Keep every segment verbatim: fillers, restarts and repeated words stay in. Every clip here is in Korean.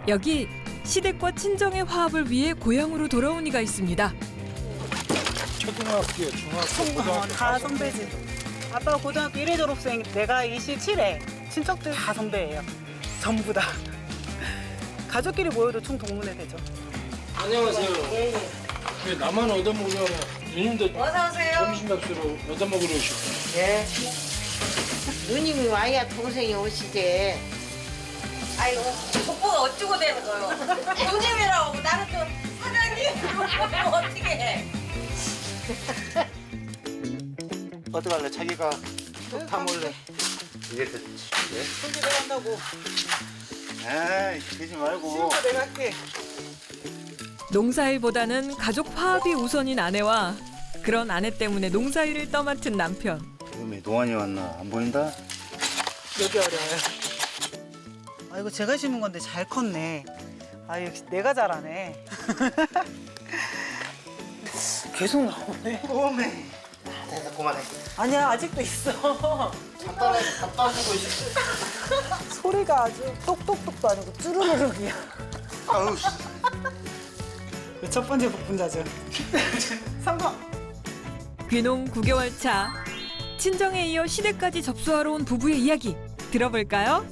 여기 시댁과 친정의 화합을 위해 고향으로 돌아온 이가 있습니다. 초등학교, 중학교, 고등학교 다 선배지. 아빠가 고등학교 일 회 졸업생, 내가 이십칠 회. 친척들 다 선배예요. 전부 다. 가족끼리 모여도 총동문회 되죠. 안녕하세요. 왜 나만 얻어먹으려고 누님도 어서오세요. 점심값으로 얻어먹으러 오셨고. 예. 누님이 와야 동생이 오시지. 아이고, 족보가 어쩌고 되는 거요? 누님이라고 나는 또 사장님 어떻게 해? 어떡할래? 자기가 다 몰래. 이게 됐지. 손질 내가 한다고. 에이, 그러지 말고. 친구 내가 할게. 농사일보다는 가족 화합이 우선인 아내와 그런 아내 때문에 농사일을 떠맡은 남편. 지금이 노안이 왔나? 안 보인다? 여기 어려워요. 아, 이거 제가 심은 건데 잘 컸네. 아, 역시 내가 잘하네. 계속 나오네. 오메. 됐어, 그만해. 아니야, 아직도 있어. 잡다가 잡다 주고 있어. 소리가 아주 똑똑똑도 아니고 쭈루루룩이야. 아우 씨. 첫 번째 복분자죠. 성공! 귀농 구 개월 차. 친정에 이어 시댁까지 접수하러 온 부부의 이야기 들어볼까요?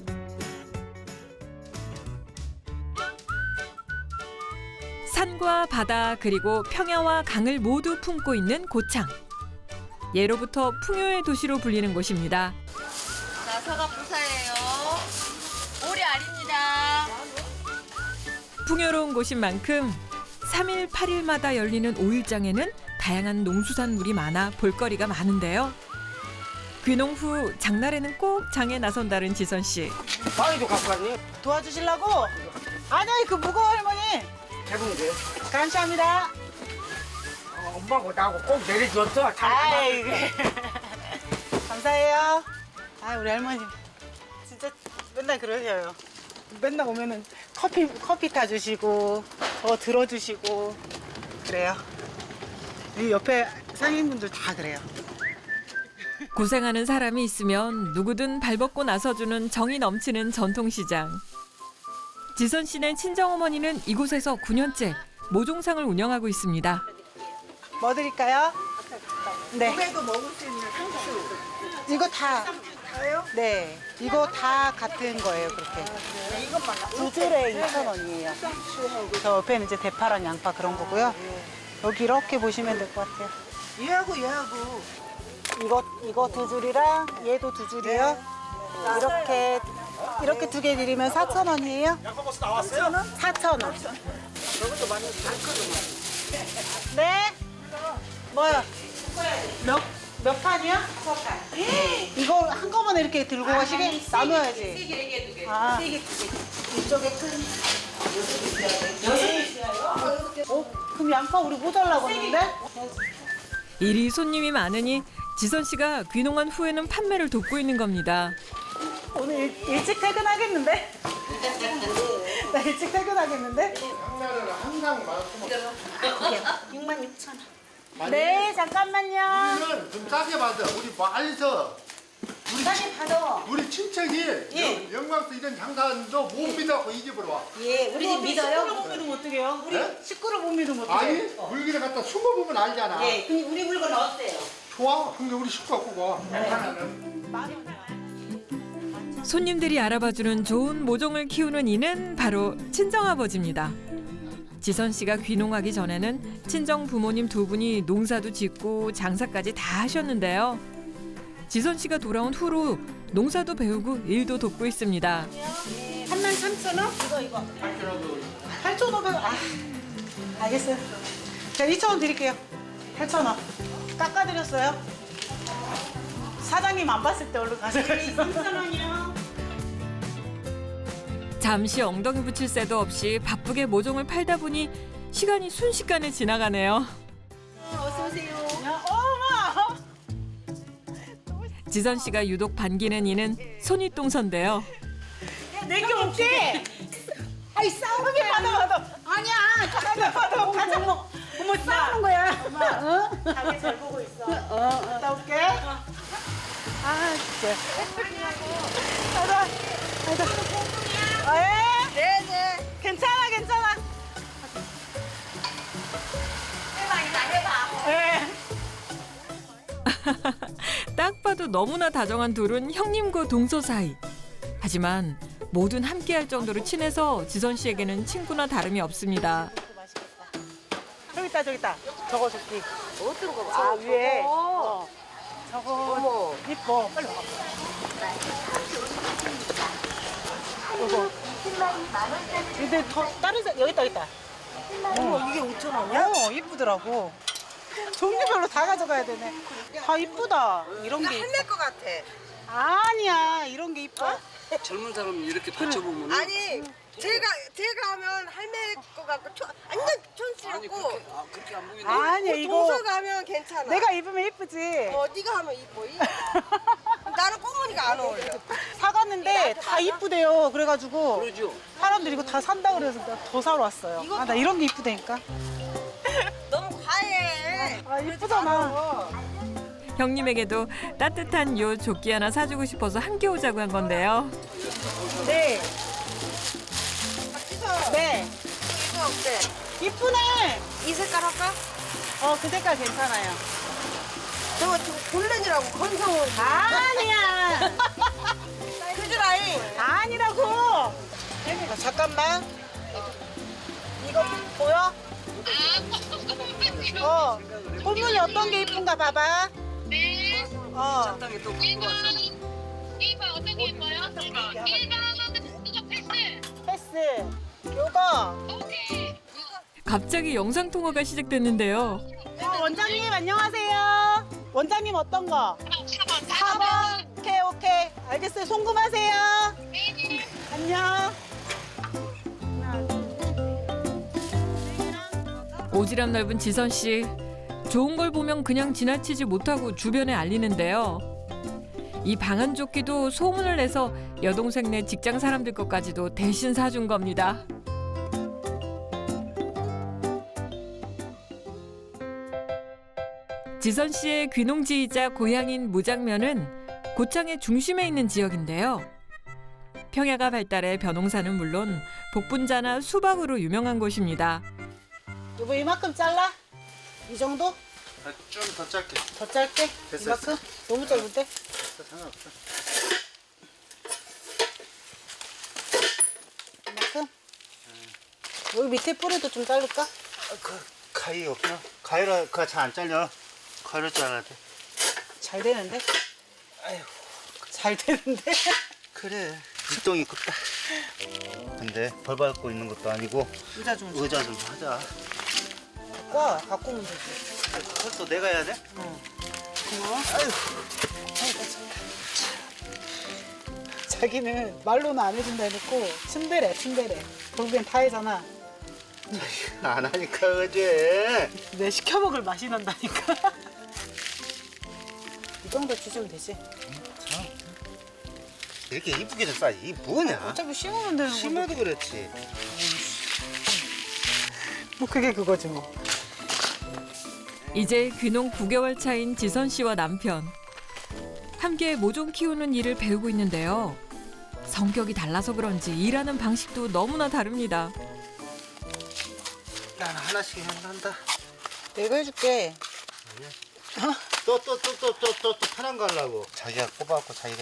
산과 바다 그리고 평야와 강을 모두 품고 있는 고창. 예로부터 풍요의 도시로 불리는 곳입니다. 자, 서가 부사예요. 오리 알입니다. 풍요로운 곳인 만큼 삼 일 팔 일마다 열리는 오일장에는 다양한 농수산물이 많아 볼거리가 많은데요. 귀농 후 장날에는 꼭 장에 나선다는 지선 씨. 빵이도 갖고 갔니? 도와주시려고? 아니야, 그 무거워, 할머니. 해본게. 감사합니다. 어, 엄마하고 나하고 꼭 내려줬어. 아이, 감사해요. 아, 우리 할머니 진짜 맨날 그러셔요. 맨날 오면은 커피 커피 타주시고 저 들어주시고 그래요. 이 옆에 상인분들 다 그래요. 고생하는 사람이 있으면 누구든 발벗고 나서주는 정이 넘치는 전통시장. 지선 씨네 친정어머니는 이곳에서 구 년째 모종상을 운영하고 있습니다. 뭐 드릴까요? 네. 집에도 먹을 수 있는 상추. 이거 다. 다요? 네. 이거 다 같은 거예요, 그렇게. 이것만 두 줄에 이천 원이에요. 저 옆에는 이제 대파랑 양파 그런 거고요. 여기 이렇게 보시면 될 것 같아요. 얘하고 얘하고. 이거 이거 두 줄이랑 얘도 두 줄이요. 이렇게 이렇게 두 개 드리면 사천 원이에요. 양파버스 나왔어요? 사천 원. 네. 뭐요? 몇, 몇 판이요? 이거 한꺼번에 이렇게 들고 가시게? 나눠야지. 세개 네 개, 두 개. 아. 세 개, 두 개. 이쪽에 큰. 어? 그럼 양파 우리 모자라고 했는데? 이리 손님이 많으니 지선 씨가 귀농한 후에는 판매를 돕고 있는 겁니다. 오늘 일, 일찍 퇴근하겠는데? 나 일찍 퇴근하겠는데? 장날에는 항상 많고. 육만 육천 원. 네, 잠깐만요. 우리는 좀 싸게 받아. 우리 말에서 우리, 싸게 받아. 우리 친척이 예. 영- 영광서 이런 장사도 못 믿어갖고 이 집으로 와. 예, 우리 집 식구를 믿어요? 못 믿으면 어떡해요? 우리 네? 식구를 못 믿으면 아니 어떡해? 물기를 갖다 숨어보면 알잖아. 예, 근데 우리 물건 어때요? 좋아. 근데 우리 식구 갖고 와. 손님들이 알아봐주는 좋은 모종을 키우는 이는 바로 친정아버지입니다. 지선 씨가 귀농하기 전에는 친정 부모님 두 분이 농사도 짓고 장사까지 다 하셨는데요. 지선 씨가 돌아온 후로 농사도 배우고 일도 돕고 있습니다. 삼만 삼천 원? 이거 이거. 팔천오백 원. 아, 알겠어요. 제가 이천 원 드릴게요. 팔천 원. 깎아드렸어요. 사장님 안 봤을 때 얼른 가져가시죠. 삼천 원이요. 잠시 엉덩이 붙일 새도 없이 바쁘게 모종을 팔다 보니 시간이 순식간에 지나가네요. 어서 오세요. 어머! 지선 씨가 유독 반기는 이는 손윗동서인데요. 내게 없지? 아이 싸우게 받아 받아. 아니야. 받아 받아. 가자. 어머, 어머 싸우는 거야. 엄마, 어? 가게 잘 보고 있어. 어, 어. 갔다 올게. 아, 진짜. 가자. 가자. 아, 예? 네네. 딱 봐도 너무나 다정한 둘은 형님과 동서 사이. 하지만 뭐든 함께할 정도로 친해서 지선 씨에게는 친구나 다름이 없습니다. 저기 있다 저기 있다. 저거 저기. 어떤 거? 아, 아, 위에. 저거. 어. 저거 어머. 이뻐. 빨리 와. 이거. 근데 더 다른 사 여기 있다 여기 있다. 어머, 이게 오천 원이야? 어 이쁘더라고. 종류별로 다 가져가야 되네. 다 이쁘다. 이런 게. 할매 거 같아. 아니야 이런 게 이뻐. 젊은 사람 이렇게 받쳐보면 아니 제가 제가 하면 할매 거 같고 초, 완전 촌스럽고 아, 그렇게 안 보이네. 아니야 이거. 동서가 하면 괜찮아. 내가 입으면 이쁘지. 어 네가 하면 이뻐. 이- 나는 꼬무니가 안 어울려. 사갔는데 다 이쁘대요. 그래가지고 그러죠. 사람들이 이거 다 산다 그래서 내가 더 사러 왔어요. 아 나 이런 게 이쁘다니까. 너무 과해. 아 이쁘잖아. 형님에게도 따뜻한 요 조끼 하나 사주고 싶어서 함께 오자고 한 건데요. 네. 박지서 네. 이거 어때? 이쁘네. 이 색깔 할까? 어 그 색깔 괜찮아요. 저거 저 골렌이라고 건성으로. 아니야. 그지라이. 아니라고. 아, 잠깐만. 이거 보여? 어. 꽃무늬 어떤 게 이쁜가 봐봐. 네. 어. 땅에 또 갖고 왔어. 일 번 어떤 게 예뻐요? 일 번. 일 번은 이거 패스. 패스. 요거. 오케이. 갑자기 영상 통화가 시작됐는데요. 어, 원장님 안녕하세요. 원장님 어떤 거? 사 번. 사 번. 오케이 오케이. 알겠어요. 송금하세요. 네. 안녕. 오지랖 넓은 지선 씨. 좋은 걸 보면 그냥 지나치지 못하고 주변에 알리는데요. 이 방한 조끼도 소문을 내서 여동생네 직장 사람들 것까지도 대신 사준 겁니다. 지선 씨의 귀농지이자 고향인 무장면은 고창의 중심에 있는 지역인데요. 평야가 발달해 벼농사는 물론 복분자나 수박으로 유명한 곳입니다. 여보 이만큼 잘라? 이 정도? 아, 좀 더 짧게. 더 짧게? 됐어, 이만큼? 너무 짧은데? 상관없어. 이만큼? 여기 밑에 뿌리도 좀 자를까? 아, 그 가위 없나? 가위라 그거 잘 안 잘려. 가위로 잘라야 돼. 잘 되는데? 아휴. 잘 되는데? 그래. 뒷동이 컸다. 근데 벌 밟고 있는 것도 아니고 의자 좀 줘. 의자 좀 하자. 와, 갖고 오면 되지. 그것도 내가 해야 돼? 고마워. 아휴. 자기는 말로는 안 해준다 해놓고 침대래, 침대래. 결국엔 다 해잖아. 안 하니까 어제. 내 시켜먹을 맛이 난다니까. 이 정도 주시면 되지. 이렇게 이쁘게 좀 싸지. 이 뭐냐? 어차피 심으면 되는 거. 심어도 그렇지. 뭐 그게 그거지 뭐. 이제 귀농 구 개월 차인 지선 씨와 남편. 함께 모종 키우는 일을 배우고 있는데요. 성격이 달라서 그런지 일하는 방식도 너무나 다릅니다. 난 하나씩 한다. 내가 해줄게. 또 또 또 또 또 또 또 편한 거 하려고. 자기가 꼽아갖고 자기가 해.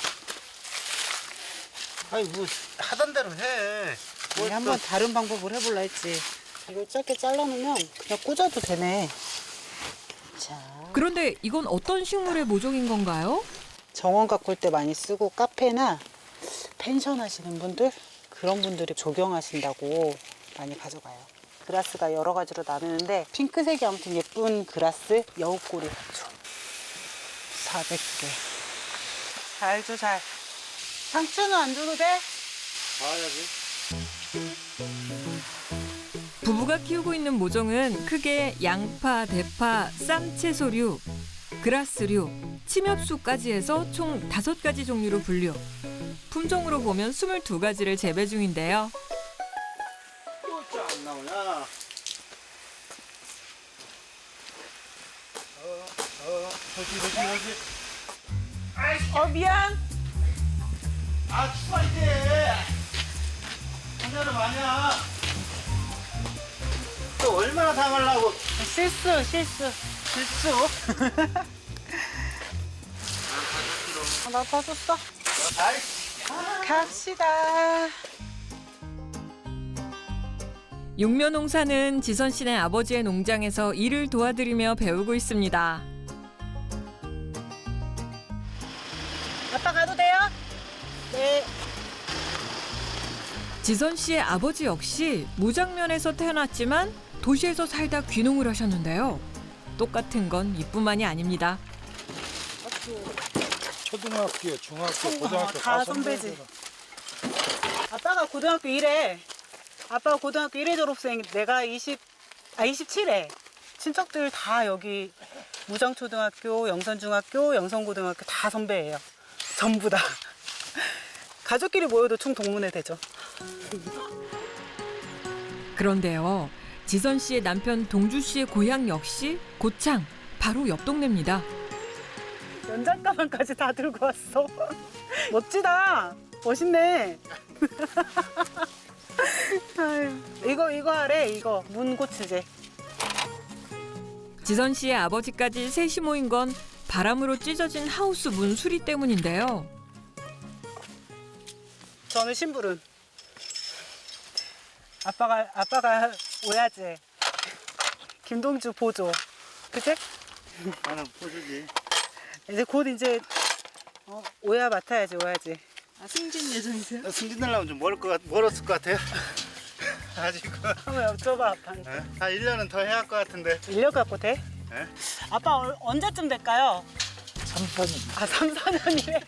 아니 뭐 하던 대로 해. 뭘 우리 또- 한번 다른 방법을 해볼라 했지. 이걸 짧게 잘라놓으면 그냥 꽂아도 되네. 자, 그런데 이건 어떤 식물의 모종인 건가요? 정원 가꿀 때 많이 쓰고 카페나 펜션 하시는 분들 그런 분들이 조경하신다고 많이 가져가요. 그라스가 여러 가지로 나누는데 핑크색이 아무튼 예쁜 그라스 여우꼬리 같죠. 사백 개. 잘 줘, 잘. 상추는 안 줘도 돼? 봐야지. 부부가 키우고 있는 모종은 크게 양파, 대파, 쌈채소류, 그라스류, 침엽수까지 해서 총 다섯 가지 종류로 분류. 품종으로 보면 스물두 가지를 재배 중인데요. 또안 나오냐? 어, 어, 저기, 저기, 저기. 어, 미안. 아, 추워, 이제. 한여름 아니야. 또 얼마나 당하려고. 실수, 실수, 실수. 아, 나 봐줬어. 갑시다. 육묘 농사는 지선 씨네 아버지의 농장에서 일을 도와드리며 배우고 있습니다. 아빠 가도 돼요? 네. 지선 씨의 아버지 역시 무장면에서 태어났지만 도시에서 살다 귀농을 하셨는데요. 똑같은 건 이뿐만이 아닙니다. 초등학교, 중학교, 어, 고등학교 다 선배지. 아빠가 고등학교 일 회. 아빠가 고등학교 일 회 졸업생. 내가 이십, 아 이십칠 회. 친척들 다 여기 무정초등학교, 영선중학교, 영선고등학교 다 선배예요. 전부 다. 가족끼리 모여도 충동문회 되죠. 그런데요. 지선 씨의 남편 동주 씨의 고향 역시 고창, 바로 옆 동네입니다. 연장가방까지 다 들고 왔어. 멋지다. 멋있네. 아유, 이거 이거 하래. 이거 문고치제. 지선 씨의 아버지까지 셋이 모인 건 바람으로 찢어진 하우스 문 수리 때문인데요. 저는 심부름. 아빠가 아빠가 오야지. 김동주 보조. 그치? 나는 포즈지. 이제 곧 이제 어, 오야 맡아야지 오야지. 아, 승진 예정이세요? 승진하려면 좀 멀을 것 같, 멀었을 것 같아요. 아직은. 한번 여쭤봐 아빠한테. 예? 한 일 년은 더 해야 할 것 같은데. 인력 갖고 돼? 예? 아빠 어, 언제쯤 될까요? 삼, 사 년. 아 삼, 사 년이래.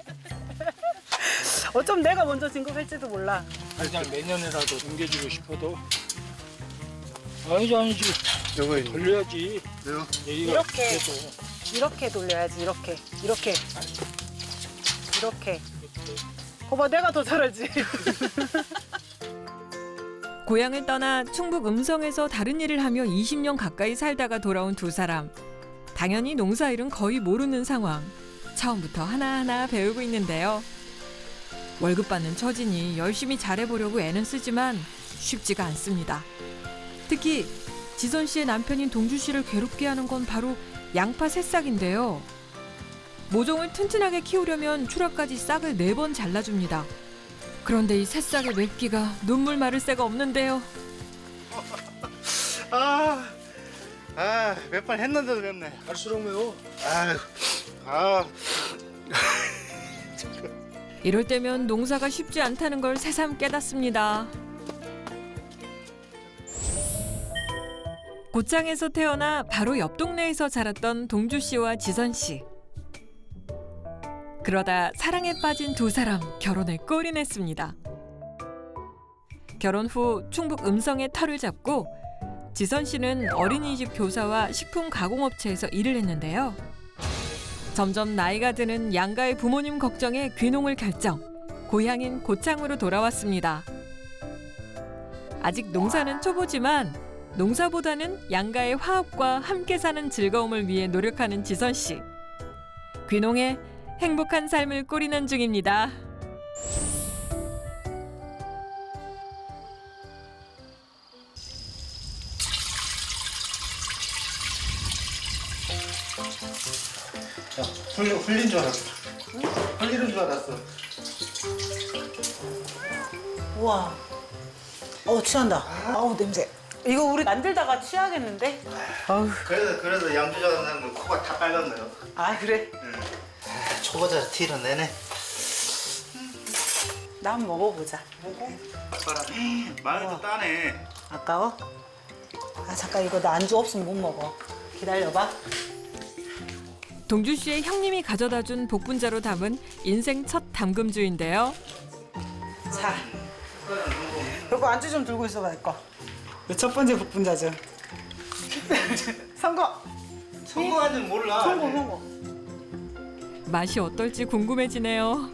어쩜 내가 먼저 진급할지도 몰라. 그냥 내년에라도 옮겨주고 싶어도 아니지 아니지 요거 돌려야지. 요. 얘기가 이렇게. 그래도 이렇게 돌려야지 이렇게 이렇게 이렇게. 거봐 내가 더 잘하지. 고향을 떠나 충북 음성에서 다른 일을 하며 이십 년 가까이 살다가 돌아온 두 사람. 당연히 농사일은 거의 모르는 상황. 처음부터 하나하나 배우고 있는데요. 월급 받는 처지니 열심히 잘해보려고 애는 쓰지만 쉽지가 않습니다. 특히 지선 씨의 남편인 동주 씨를 괴롭게 하는 건 바로 양파 새싹인데요. 모종을 튼튼하게 키우려면 추락까지 싹을 네 번 잘라줍니다. 그런데 이 새싹의 맵기가 눈물 마를 새가 없는데요. 아, 아, 몇 번 했는데도 맵네. 갈수록 매워. 아유, 아, 이럴 때면 농사가 쉽지 않다는 걸 새삼 깨닫습니다. 고창에서 태어나 바로 옆 동네에서 자랐던 동주 씨와 지선 씨. 그러다 사랑에 빠진 두 사람 결혼을 꼬리냈습니다. 결혼 후 충북 음성에 터를 잡고 지선 씨는 어린이집 교사와 식품 가공업체에서 일을 했는데요. 점점 나이가 드는 양가의 부모님 걱정에 귀농을 결정. 고향인 고창으로 돌아왔습니다. 아직 농사는 초보지만 농사보다는 양가의 화합과 함께 사는 즐거움을 위해 노력하는 지선 씨. 귀농에 행복한 삶을 꾸리는 중입니다. 야, 흘린, 흘린 줄 알았어. 흘리는 줄 알았어. 우와. 어 취한다. 아우 냄새. 이거 우리 만들다가 취하겠는데? 아우. 그래서, 그래서 양주 좋아하는 사람들 코가 다 빨갛네요. 아 그래? 초보자 티를 내네. 나 한번 먹어보자. 봐라. 마늘도 따네. 아까워? 아 잠깐 이거 나 안주 없으면 못 먹어. 기다려봐. 동주 씨의 형님이 가져다준 복분자로 담은 인생 첫 담금주인데요. 자. 여보 안주 좀 들고 있어봐 내 거. 첫 번째 복분자죠. 선거. 성공한지는 몰라. 성공 성공. 맛이 어떨지 궁금해지네요.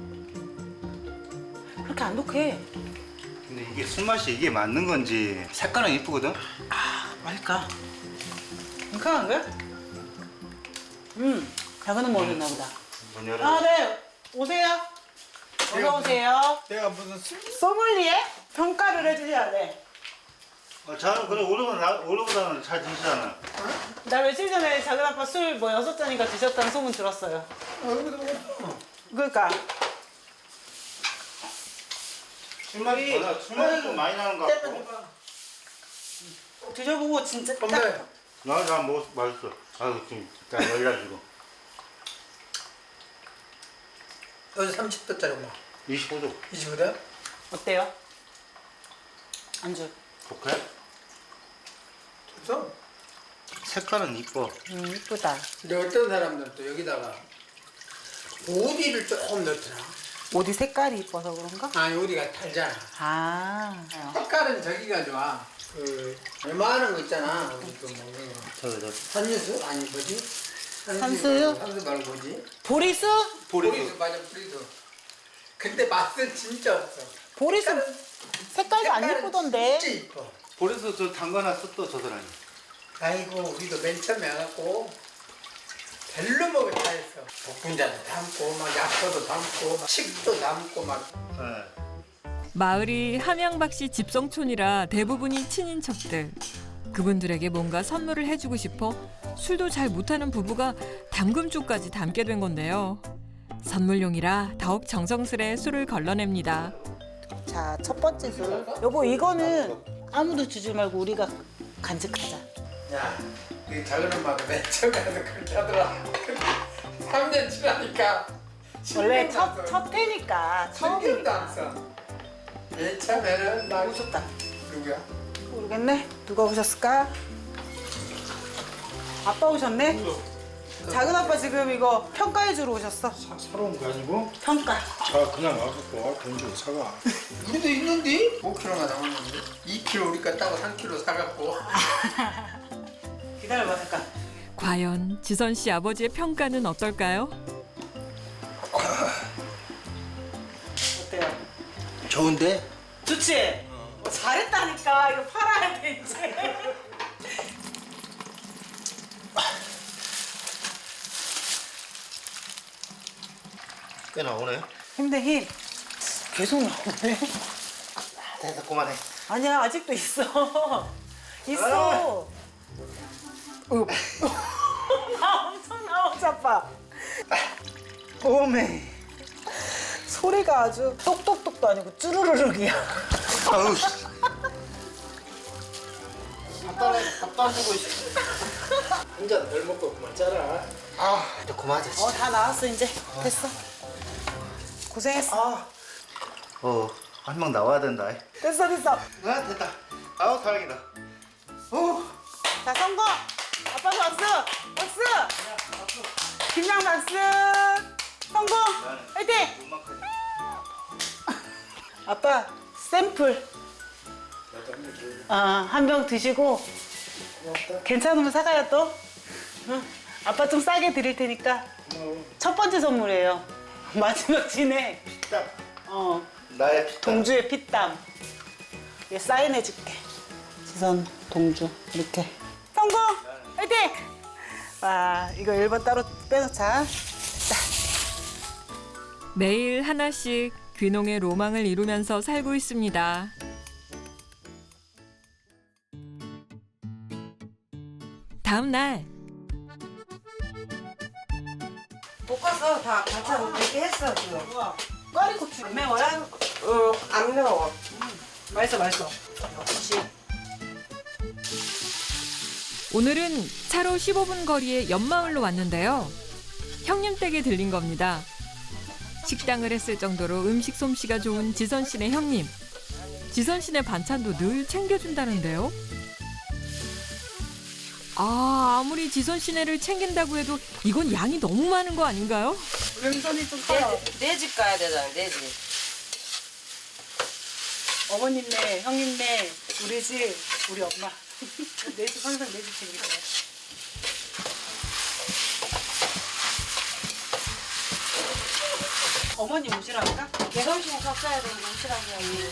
그렇게 안 독해. 근데 이게 술맛이 이게 맞는 건지 색깔은 이쁘거든? 아 맛있까? 괜찮은 거야? 음 작은 먹었나 보다. 문 열어. 아 네 오세요. 어서 오세요. 내가 무슨 술 소믈리에 평가를 해주셔야 돼. 어, 저는 그래 오르보다 오르보다는 잘 드시잖아. 나 며칠 전에 작은 아빠 술 뭐 여섯 잔인가 드셨다는 소문 들었어요. 그러니까 술맛이 더 나. 술맛이 좀 많이 나는 것 같고. 드셔보고 진짜 딱 나, 나 먹었어. 맛있어. 아, 지금 딱 열려가지고. 여기 삼십 도짜리 뭐 이십오 도. 이십오 도? 어때요? 안주. 좋게? 좋죠? 색깔은 이뻐. 음 이쁘다. 근데 어떤 사람들은 또 여기다가 오디를 조금 넣더라. 옷이 색깔이 이뻐서 그런가? 아니 오디가 달잖아. 아. 색깔은 저기가 좋아. 그 얼마하는 거 있잖아. 우리 그 먹는 거. 저기, 저. 산유수? 아니 뭐지? 산수유? 산수 말고 뭐지? 보리수? 보리수. 맞아 보리수. 근데 맛은 진짜 없어. 보리수 색깔도 안 색깔은 예쁘던데. 진짜 이뻐. 그래서 저 담가놨어 또 저 사람이. 아이고 우리도 맨 처음에 와갖고 별로 먹을 다 했어. 복분자도 담고 막 약초도 담고 막 칡도 담고 막. 네. 마을이 함양박씨 집성촌이라 대부분이 친인척들. 그분들에게 뭔가 선물을 해주고 싶어 술도 잘 못하는 부부가 담금주까지 담게 된 건데요. 선물용이라 더욱 정성스레 술을 걸러냅니다. 자, 첫 번째 술. 여보, 이거는 아무도 주지 말고 우리가 간직하자. 야, 이 작은 엄마가 맨 처음 가서 그렇게 하더라. 삼 년 지나니까 원래 신경도 첫, 안 써. 첫 해니까, 신경도 안 처음이니까. 써. 맨 처음에는 나 오셨다. 누구야? 모르겠네. 누가 오셨을까? 아빠 오셨네? 작은 아빠 지금 이거 평가해 주러 오셨어. 사러 온 거 아니고? 평가. 자 그냥 와갖고 돈 주고 사가. 우리도 있는데? 오 킬로가 나오는데? 이 킬로 우리가 따고 삼 킬로 사갖고. 기다려봐, 잠깐. 과연 지선 씨 아버지의 평가는 어떨까요? 어때요? 좋은데? 좋지? 어, 잘했다니까. 이거 팔아야 돼, 이제. 꽤 나오네. 힘내, 힘. 계속 나오네. 됐어, 그만해. 아니야, 아직도 있어. 있어. 어. 나 엄청 나오지, 아빠. 오메. 소리가 아주 똑똑똑도 아니고 쭈루루룩이야. 아우, 씨. 밥도 밥도 안 주고 있어. 한 잔 덜 먹고 그만 짜라. 아, 이제 그만하자. 어, 다 나왔어, 이제. 됐어. 고생했어. 아. 어, 한 명 나와야 된다. 됐어, 됐어. 아, 됐다. 아우, 다행이다. 어. 자, 성공! 아빠 박수! 박수! 김양 박수! 성공! 화이팅! 아빠, 샘플. 아, 한 병 드시고 괜찮으면 사가요 또. 응. 아빠 좀 싸게 드릴 테니까. 첫 번째 선물이에요. 마지막 진에 피땀. 어, 나의 피땀. 동주의 피땀. 얘 사인해줄게. 지선 동주 이렇게. 성공! 화이팅! 와, 이거 일 번 따로 빼놓자. 매일 하나씩 귀농의 로망을 이루면서 살고 있습니다. 다음 날 볶아서 다 반찬 이렇게 했어 지금. 꽈리고추 안 매워요? 응, 안 매워. 맛있어, 맛있어. 역시. 오늘은 차로 십오 분 거리의 옆마을로 왔는데요. 형님 댁에 들린 겁니다. 식당을 했을 정도로 음식 솜씨가 좋은 지선 씨네 형님. 지선 씨네 반찬도 늘 챙겨준다는데요. 아, 아무리 지선 씨네를 챙긴다고 해도 이건 양이 너무 많은 거 아닌가요? 왼손이 좀 커요. 내 집 가야 되잖아, 내 집. 어머님네, 형님네, 우리 집, 우리 엄마. 내 집 항상 내 집 챙길 거야. 어머님 오시라니까? 개성심 섞어야 되는 옷이라고요.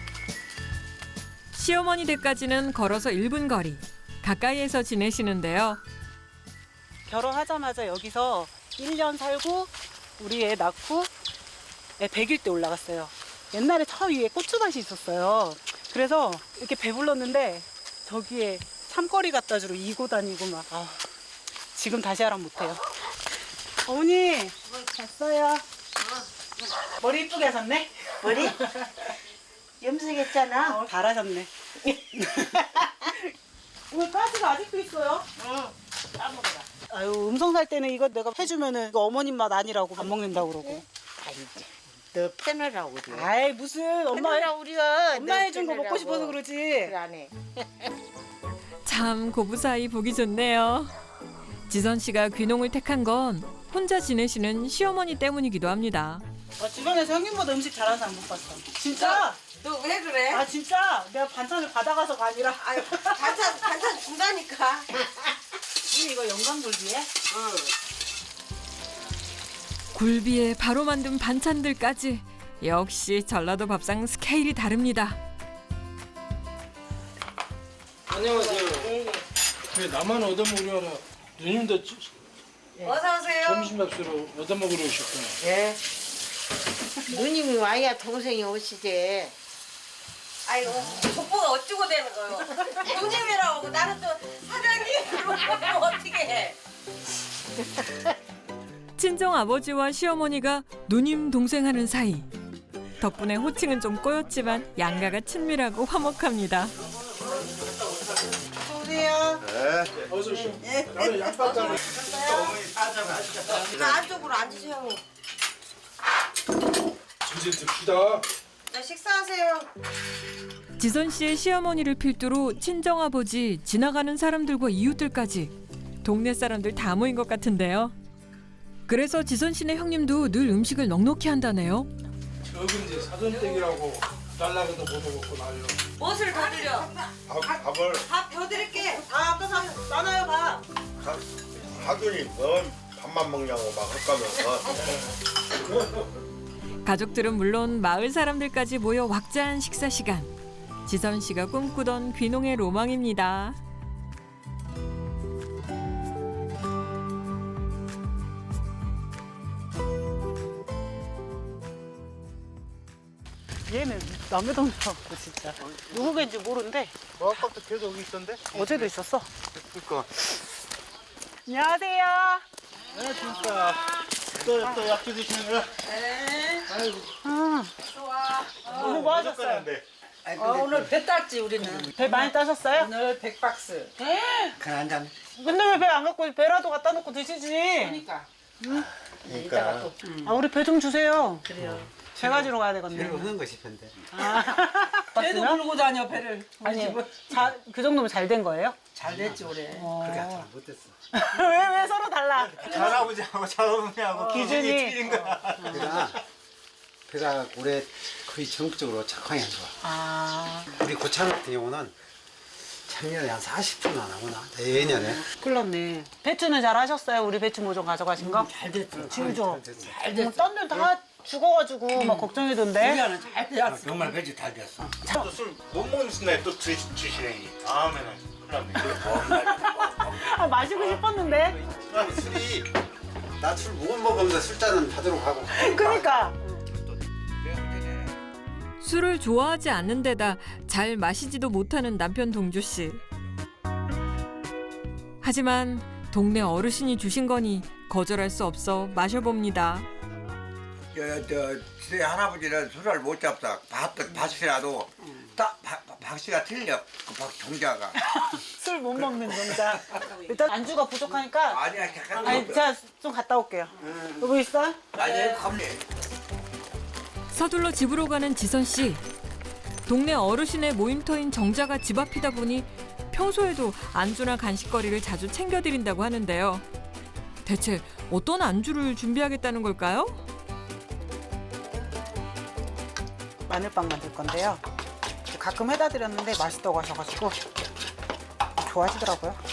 시어머니 댁까지는 걸어서 일 분 거리. 가까이에서 지내시는데요. 결혼하자마자 여기서 일 년 살고 우리 애 낳고 애 백 일 때 올라갔어요. 옛날에 저 위에 고추밭이 있었어요. 그래서 이렇게 배불렀는데 저기에 참거리 갖다 주러 이고 다니고 막 아, 지금 다시 하라면 못해요. 어머니 잤어요? 머리 이쁘게 하셨네? 머리? 염색했잖아. 어, 잘하셨네. 왜 가지가 아직도 있어요? 응. 까먹어라. 아유, 음성 살 때는 이거 내가 해주면은 이거 어머님 맛 아니라고 안 먹는다고 그러고. 아니지. 너 패널하고 그래. 아이, 무슨 엄마, 패널하고 우리가. 엄마 해준 거 먹고 싶어서 그러지. 그래 안 해. 참 고부 사이 보기 좋네요. 지선 씨가 귀농을 택한 건 혼자 지내시는 시어머니 때문이기도 합니다. 아, 주변에서 형님보다 음식 잘하는 사람 못 봤어. 진짜? 너 왜 그래? 아, 진짜? 내가 반찬을 받아가서가 아니라. 아유, 반찬 반찬 준다니까. 이 이거 영광굴비에? 응. 굴비에 바로 만든 반찬들까지 역시 전라도 밥상 스케일이 다릅니다. 안녕하세요. 왜 나만 얻어먹으려라. 누님도 지- 어서 오세요. 점심 밥으로 얻어먹으러 오셨구나. 예. 누님이 와야 동생이 오시지. 아이고, 족보가 어쩌고 되는 거요? 누님이라고 하고 나는 또 사장님으로 어떻게 해? 친정 아버지와 시어머니가 누님 동생 하는 사이. 덕분에 호칭은 좀 꼬였지만 양가가 친밀하고 화목합니다. 오세요. 네. 어서 오시오. 나는 양파 따로. 나 안쪽으로 앉으세요, 형님. 이제 듭시다. 자, 식사하세요. 지선 씨의 시어머니를 필두로 친정 아버지, 지나가는 사람들과 이웃들까지 동네 사람들 다 모인 것 같은데요. 그래서 지선 씨네 형님도 늘 음식을 넉넉히 한다네요. 저기 이제 사돈댁이라고 달라고도 못 먹고 나요. 무엇을 더 드려? 밥, 밥을 밥 더 드릴게. 아, 아까 사, 나눠요, 밥. 하- 하더니 넌 밥만 먹냐고 막 헛가면서. 가족들은 물론 마을 사람들까지 모여 왁자한 식사 시간. 지선 씨가 꿈꾸던 귀농의 로망입니다. 얘는 남의 동네 갖고 진짜. 누구 겐지 모르는데 뭐 아까부터 계속 여기 있던데? 어제도 있었어. 그니까. 안녕하세요. 네, 진짜. 또, 또 약주 드시는 거야? 아, 오늘 뭐 하셨어요? 어, 오늘 배 땄지 우리는. 배 많이 따셨어요? 오늘 백 박스. 그래 한 잔. 근데 왜 배 안 갖고 배라도 갖다 놓고 드시지? 그러니까. 그러니까. 아, 우리 배 좀 주세요. 그래요. 배 가지러 가야 되겠네. 하는 거 싶은데. 배도 물고 다녀 배를. 아니, 자, 그 정도면 잘 된 거예요? 잘 됐지 올해. 어. 못했어. 왜, 왜 서로 달라? 할아버지하고 잘어울리하고 기준이. 틀린 거야. 배가 배가 올해 거의 전국적으로 작황이 안 좋아. 아, 우리 고창 같은 경우는 작년에 한 사십 분 안 하구나. 내년에. 큰일 났네. 배추는 잘 하셨어요? 우리 배추 모종 가져가신 거? 잘 됐지. 진짜. 잘 됐어. 딴 데는 다 죽어가지고 막 걱정이던데. 우리는 잘 됐어. 정말 배지 잘 됐어. 또 술 못 먹는 순간에 또 드, 드시네. 다음에는 큰일 났네. 아, 마시고 싶었는데. 아, 술이 나 술 못 먹으면서 술잔은 받으러 가고. 그러니까. 술을 좋아하지 않는 데다 잘 마시지도 못하는 남편 동주 씨. 하지만 동네 어르신이 주신 거니 거절할 수 없어 마셔봅니다. 저, 저, 제 할아버지는 술을 못 잡다. 밥, 밥이라도 딱 밥- 박씨가 틀려. 그 박, 종자가. 술 못 먹는 정자. 일단 안주가 부족하니까. 아니야, 잠깐. 아니, 제가 좀 갔다 올게요. 여보 있어? 아니, 갑니. 서둘러 집으로 가는 지선 씨. 동네 어르신의 모임터인 정자가 집 앞이다 보니 평소에도 안주나 간식거리를 자주 챙겨드린다고 하는데요. 대체 어떤 안주를 준비하겠다는 걸까요? 마늘빵 만들 건데요. 가끔 해다 드렸는데 맛있다고 하셔가지고 좋아하시더라고요.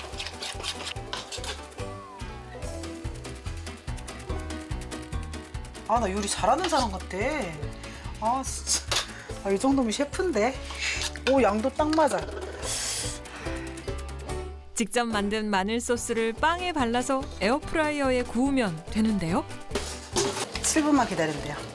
아, 나 요리 잘하는 사람 같아. 아, 진짜. 아, 이 정도면 셰프인데. 오, 양도 딱 맞아. 직접 만든 마늘 소스를 빵에 발라서 에어프라이어에 구우면 되는데요. 칠 분만 기다리면 돼요.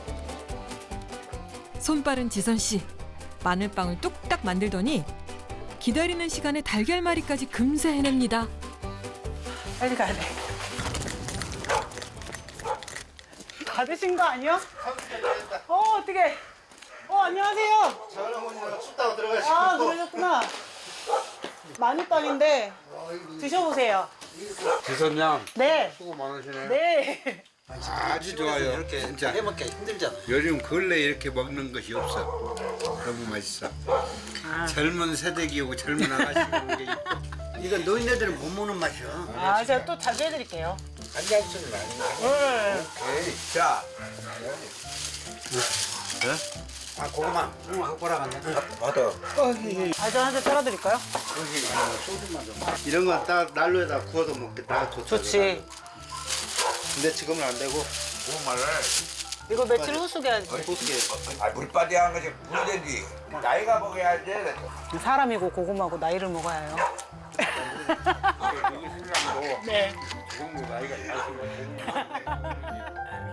손빠른 지선 씨. 마늘빵을 뚝딱 만들더니 기다리는 시간에 달걀말이까지 금세 해냅니다. 빨리 가야 돼. 받으신 거 아니요? 어, 어떻게? 어, 안녕하세요. 장어머니랑 춥다고 들어가시고. 아, 그러셨구나. 마늘빵인데 드셔보세요. 지선양 네. 수고 많으시네. 네. 아주 좋아요. 이렇게 진짜. 해먹기 힘들잖아. 요즘 근래 이렇게 먹는 것이 없어. 너무 맛있어. 젊은 세대기고 젊은 아가씨고 오는 게 이뻐. 이거 노인네들은 못 먹는 맛이야. 아, 제가 또 자주 해드릴게요. 한잔씩은 아니야. 네. 오케이. 자. 아, 고구마. 고구마 갖고 오라갔네. 받아. 아저 한 잔 따라드릴까요? 이런 건 딱 난로에다 구워서 먹겠다. 좋다. 좋지. 근데 지금은 안 되고. 고구마를 이거 며칠 후숙 해야지. 어떻게? 아 물바디 한 것이 문제지. 나이가 먹어야지. 사람이고 고구마고 나이를 먹어야 해요. 네. 그 정도 나이가 있으면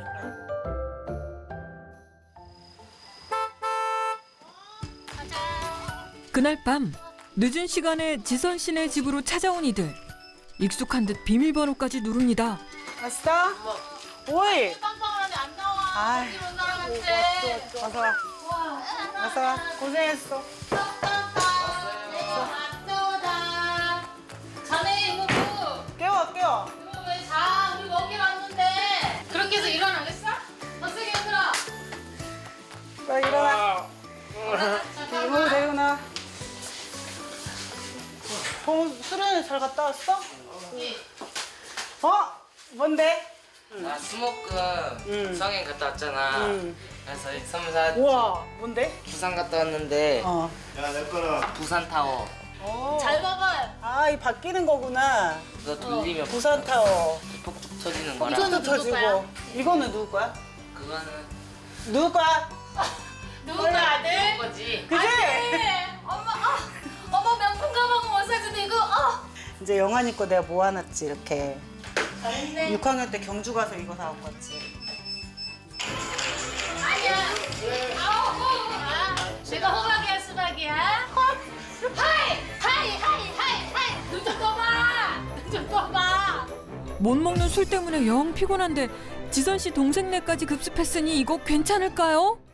그날 밤 늦은 시간에 지선 씨네 집으로 찾아온 이들. 익숙한 듯 비밀번호까지 누릅니다. 왔어? 오이. 빵빵하는데 안 나와. 아, 어디 온 사람한테. 어서 와. 어서 와. 고생했어. 왔다. 자네 이거 그 깨워, 깨워. 이거 왜 자? 우리 먹기 왔는데. 그렇게 해서 일어나겠어? 더 세게 흔들어. 자, 일어나. 이모 데리고 나. 어, 수련회 잘 갔다 왔어? 어? 뭔데? 나 수목금 응. 성행 갔다 왔잖아. 응. 그래서 선물 사왔지. 우와, 뭔데? 부산 갔다 왔는데 어. 야, 내 거는 부산 타워 어. 잘 봐봐요. 아, 이 바뀌는 거구나. 그거 돌리면 부산 타워. 폭죽 터지는 거라. 이거는 또 누구 거야? 터지고. 이거는 누구 거야? 그거는 누구 거야? 누구 아들? 거지. 그지? 엄마, 아, 엄마 명품 가방 못 사주는데 이거, 어. 이제 영환이 거 내가 모아놨지, 이렇게. 잘했네. 육 학년 때 경주 가서 이거 사온 거지. 아니야. 아우, 어, 아, 내가 호박이야, 수박이야? 하이, 하이, 하이, 하이, 하이. 눈 좀 떠봐. 눈 좀 떠봐. 못 먹는 술 때문에 영 피곤한데 지선 씨 동생네까지 급습했으니 이거 괜찮을까요?